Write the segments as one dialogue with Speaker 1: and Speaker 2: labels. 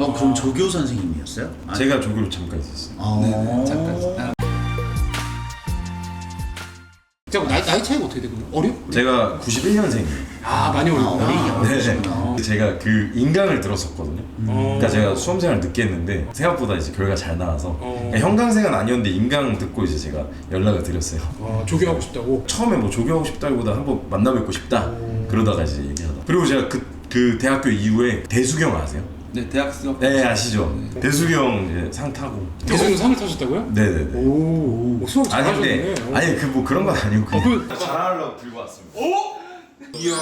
Speaker 1: 그럼 조교 선생님이었어요?
Speaker 2: 제가 조교를 잠깐 있었어요.
Speaker 3: 네, 잠깐.
Speaker 4: 자, 나이 차이가 어떻게 되거든요? 어려?
Speaker 2: 제가 91년생이에요.
Speaker 4: 많이 어리구나.
Speaker 2: 네. 제가 그 인강을 들었었거든요. 그러니까 제가 수험생활 늦게 했는데 생각보다 이제 결과 잘 나와서 그러니까 형광생은 아니었는데 인강 듣고 이제 제가 연락을 드렸어요.
Speaker 4: 조교하고 싶다고?
Speaker 2: 처음에 뭐 조교하고 싶다기보다 한번 만나뵙고 싶다 그러다가 이제 얘기하다. 그리고 제가 그 대학교 이후에 대수경 아세요?
Speaker 3: 네, 대학 수업.
Speaker 2: 네, 아시죠?
Speaker 3: 네.
Speaker 2: 대수경 이제 상 타고.
Speaker 4: 대수경 상을 타셨다고요?
Speaker 2: 네네네.
Speaker 4: 오, 수업 잘하셨네.
Speaker 2: 아니 그 뭐 그런 건 아니고 그냥
Speaker 4: 그
Speaker 2: 잘하려고 들고 왔습니다.
Speaker 4: 이야.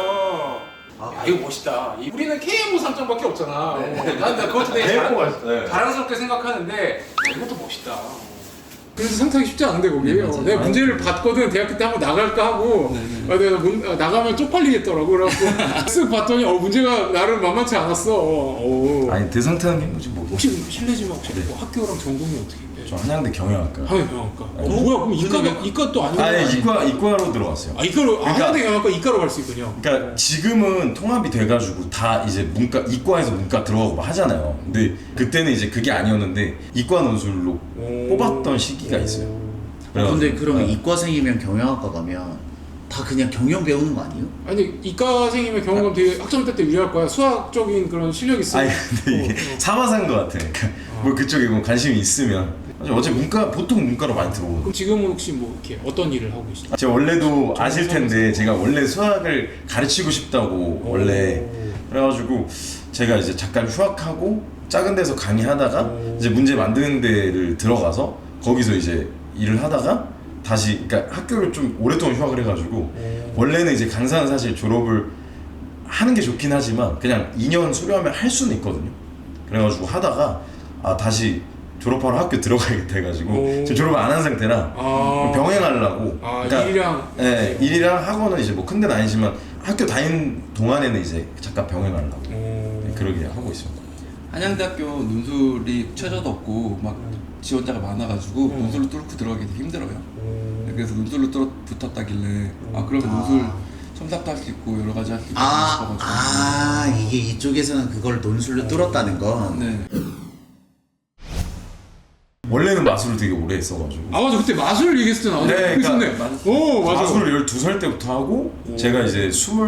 Speaker 4: 야, 이거 멋있다. 우리는 KMO 상장밖에 없잖아. 난 그것도 되게 자랑스럽게 생각하는데 이것도 멋있다. 그래서 상상이 쉽지 않은데 거기. 내가 문제를 봤거든. 대학교 때 한번 나갈까 하고. 내가 나가면 쪽팔리겠더라고. 그래갖고 쓱 봤더니 문제가 나름 만만치 않았어.
Speaker 2: 아니 대상 타는 게 뭐지 뭐.
Speaker 4: 혹시 실례지만 혹시 뭐 학교랑 전공이 어떻게?
Speaker 2: 저 한양대 경영학과.
Speaker 4: 경영학과. 뭐야? 그럼 이과 또 아니고?
Speaker 2: 아니 이과로 들어갔어요.
Speaker 4: 이과로
Speaker 2: 그러니까,
Speaker 4: 한양대 경영학과 이과로 갈 수 있군요.
Speaker 2: 그러니까 지금은 통합이 돼가지고 다 이제 이과에서 문과 들어가고 뭐 하잖아요. 근데 그때는 이제 그게 아니었는데 이과 논술로 뽑았던 시기가 있어요.
Speaker 1: 근데 그러면 이과생이면 경영학과 가면 다 그냥 경영 배우는 거 아니에요?
Speaker 4: 아니 이과생이면 경영관 되게 학점 때 유리할 거야. 수학적인 그런 실력이 있어.
Speaker 2: 아니 근데 이게 사마사인 것 같아. 그러니까 뭐 그쪽에 뭐 관심이 있으면 어차피 보통 문과로 많이 들어오고.
Speaker 4: 그럼 지금은 혹시 뭐 이렇게 어떤 일을 하고 계시나요?
Speaker 2: 제가 원래도 아실 텐데 제가 원래 수학을 가르치고 싶다고 원래 그래가지고 제가 이제 잠깐 휴학하고 작은 데서 강의하다가 이제 문제 만드는 데를 들어가서 거기서 이제 일을 하다가 다시 그러니까 학교를 좀 오랫동안 휴학을 해가지고 원래는 이제 강사는 사실 졸업을 하는 게 좋긴 하지만 그냥 2년 수료하면 할 수는 있거든요. 그래가지고 하다가 다시 졸업하러 학교 들어가야겠다 해가지고 지금 졸업 안 한 상태라 병행하려고. 그러니까, 일이랑 학원은 이제 뭐 큰 데는 아니지만 학교 다니는 동안에는 이제 잠깐 병행하려고 그러게 하고 있습니다.
Speaker 3: 한양대학교 논술이 최저도 없고 막 지원자가 많아가지고 논술로 뚫고 들어가기 되게 힘들어요. 그래서 논술로 붙었다길래 그러면 논술 첨삭도 할 수 있고 여러 가지 할 수 있고 싶어가지고.
Speaker 1: 이게 이쪽에서는 그걸 논술로 뚫었다는 건.
Speaker 3: 네.
Speaker 2: 원래는 마술을 되게 오래 했어가지고.
Speaker 4: 맞아, 그때 마술 얘기했을 때 나왔네.
Speaker 2: 네,
Speaker 4: 있었네. 맞아.
Speaker 2: 마술을 12살 때부터 하고 제가 이제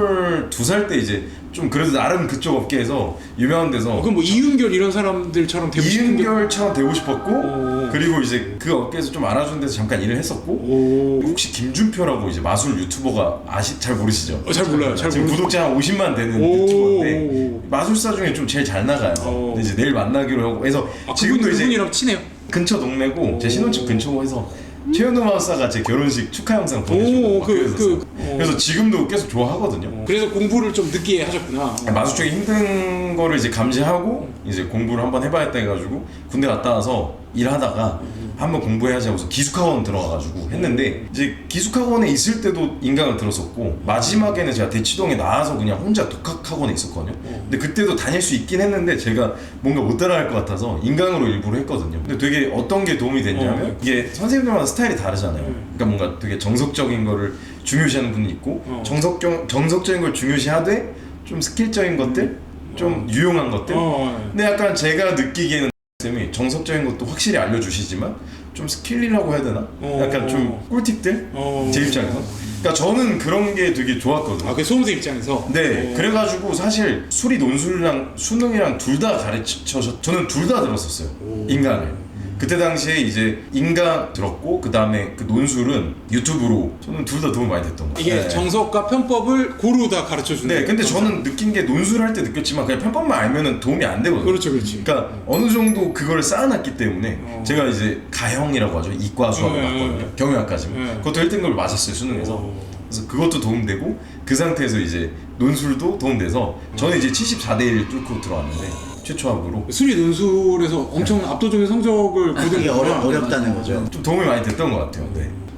Speaker 2: 22살 때 이제 좀 그래도 나름 그쪽 업계에서 유명한 데서
Speaker 4: 그럼 뭐 이윤결 이런 사람들처럼 되고 싶은 게
Speaker 2: 이윤결처럼 되고 싶었고 그리고 이제 그 업계에서 좀 알아주는 데서 잠깐 일을 했었고 혹시 김준표라고 이제 마술 유튜버가 잘 모르시죠?
Speaker 4: 잘 몰라요.
Speaker 2: 지금 구독자 한 50만 되는 유튜버인데 마술사 중에 좀 제일 잘 나가요. 근데 이제 내일 만나기로 하고 해서 지금도 이제
Speaker 4: 그분이랑 친해요?
Speaker 2: 근처 동네고 제 신혼집 근처고 해서 최현우 마술사가 제 결혼식 축하 영상 보내주고 그래서 지금도 계속 좋아하거든요.
Speaker 4: 그래서 공부를 좀 늦게 하셨구나.
Speaker 2: 마술 쪽에 힘든 거를 이제 감지하고 이제 공부를 한번 해봐야겠다 해가지고 군대 갔다 와서 일하다가 한번 공부해야지 하고서 기숙학원 들어가가지고 했는데 이제 기숙학원에 있을 때도 인강을 들었었고 마지막에는 제가 대치동에 나와서 그냥 혼자 독학학원에 있었거든요. 근데 그때도 다닐 수 있긴 했는데 제가 뭔가 못 따라갈 것 같아서 인강으로 일부러 했거든요. 근데 되게 어떤 게 도움이 됐냐면 이게 선생님들마다 스타일이 다르잖아요. 그러니까 뭔가 되게 정석적인 거를 중요시하는 분이 있고 정석적인 걸 중요시하되 좀 스킬적인 것들 좀 유용한 것들 근데 약간 제가 느끼기에는 쌤이 정석적인 것도 확실히 알려주시지만 좀 스킬이라고 해야 되나? 약간 좀 꿀팁들? 제 입장에서 그러니까 저는 그런 게 되게 좋았거든요.
Speaker 4: 그 수험생 입장에서?
Speaker 2: 네. 그래가지고 사실 수리 논술이랑 수능이랑 둘 다 가르쳐서 저는 둘 다 들었었어요. 인강을 그때 당시에 이제 인강 들었고 그 다음에 그 논술은 유튜브로 저는 둘 다 도움 많이 됐던 것 같아요.
Speaker 4: 이게 정석과 편법을 고루 다 가르쳐주는.
Speaker 2: 네, 근데 저는 느낀 게 논술을 할 때 느꼈지만 그냥 편법만 알면은 도움이 안 되거든요.
Speaker 4: 그렇지.
Speaker 2: 그러니까 어느 정도 그거를 쌓아놨기 때문에 제가 이제 가형이라고 하죠. 이과 수학을 봤거든요. 경영학까지만. 그것도 1등급을 맞았어요, 수능에서. 그래서 그것도 도움되고 그 상태에서 이제 논술도 도움돼서 저는 이제 74대1 뚫고 들어왔는데 최초 합으로
Speaker 4: 수리 논술에서 엄청 압도적인 성적을 거둔
Speaker 1: 이게 어렵다는 거죠.
Speaker 2: 좀 도움이 많이 됐던 것 같아요. 네.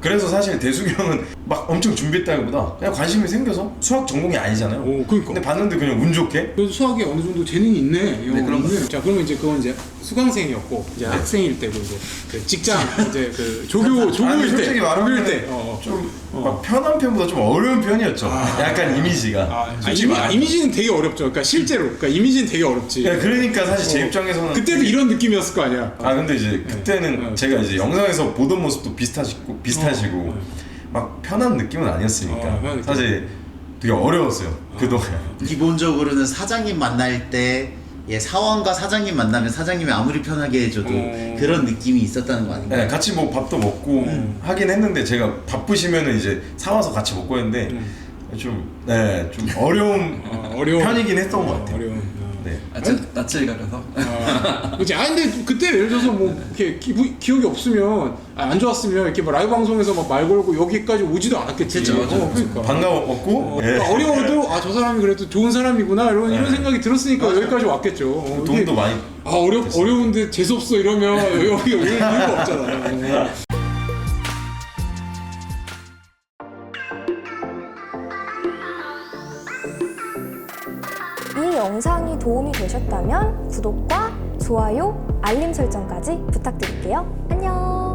Speaker 2: 그래서 사실 대숙이 형은 막 엄청 준비했다기보다 그냥 관심이 생겨서 수학 전공이 아니잖아요.
Speaker 4: 그러니까.
Speaker 2: 근데 봤는데 그냥 운 좋게
Speaker 4: 그래도 수학에 어느 정도 재능이 있네. 이 형은.
Speaker 3: 그런 거.
Speaker 4: 자, 그러면 이제 그건 이제 수강생이었고 이제 학생일 때고 이제 그 직장 이제 그 조교일 때,
Speaker 2: 솔직히 말하면
Speaker 4: 조교일 때.
Speaker 2: 좀 막 편한 편보다 좀 어려운 편이었죠. 약간 이미지가. 솔직히 말하면.
Speaker 4: 이미지는 되게 어렵죠. 그러니까 실제로, 그러니까 이미지는 되게 어렵지.
Speaker 2: 그러니까 사실 제 입장에서는
Speaker 4: 그때도 이런 느낌이었을 거 아니야.
Speaker 2: 근데 이제 그때는 제가 이제 영상에서 보던 모습도 비슷하시고 막 편한 느낌은 아니었으니까
Speaker 4: 편한 느낌.
Speaker 2: 사실 되게 어려웠어요 그동안.
Speaker 1: 기본적으로는 사장님 만날 때 사원과 사장님 만나면 사장님이 아무리 편하게 해줘도 그런 느낌이 있었다는 거 아닌가요?
Speaker 2: 네, 같이 뭐 밥도 먹고 하긴 했는데 제가 바쁘시면은 이제 사와서 같이 먹고 했는데 좀 어려운 편이긴 했던 것 같아요.
Speaker 4: 어려운.
Speaker 2: 네.
Speaker 3: 낯을 가려서.
Speaker 4: 그치. 근데 그때 예를 들어서 뭐 이렇게 기억이 없으면 안 좋았으면 이렇게 뭐 라이브 방송에서 막 말 걸고 여기까지 오지도 않았겠지.
Speaker 3: 그쵸,
Speaker 4: 그러니까.
Speaker 2: 반가웠고
Speaker 4: 그러니까 어려워도 저 사람이 그래도 좋은 사람이구나 이런 생각이 들었으니까 여기까지 왔겠죠.
Speaker 2: 돈도 많이
Speaker 4: 어려운데 재수 없어 이러면 여기 올 이유가 없잖아.
Speaker 5: 이 영상이 도움이 되셨다면 구독과 좋아요, 알림 설정까지 부탁드릴게요. 안녕!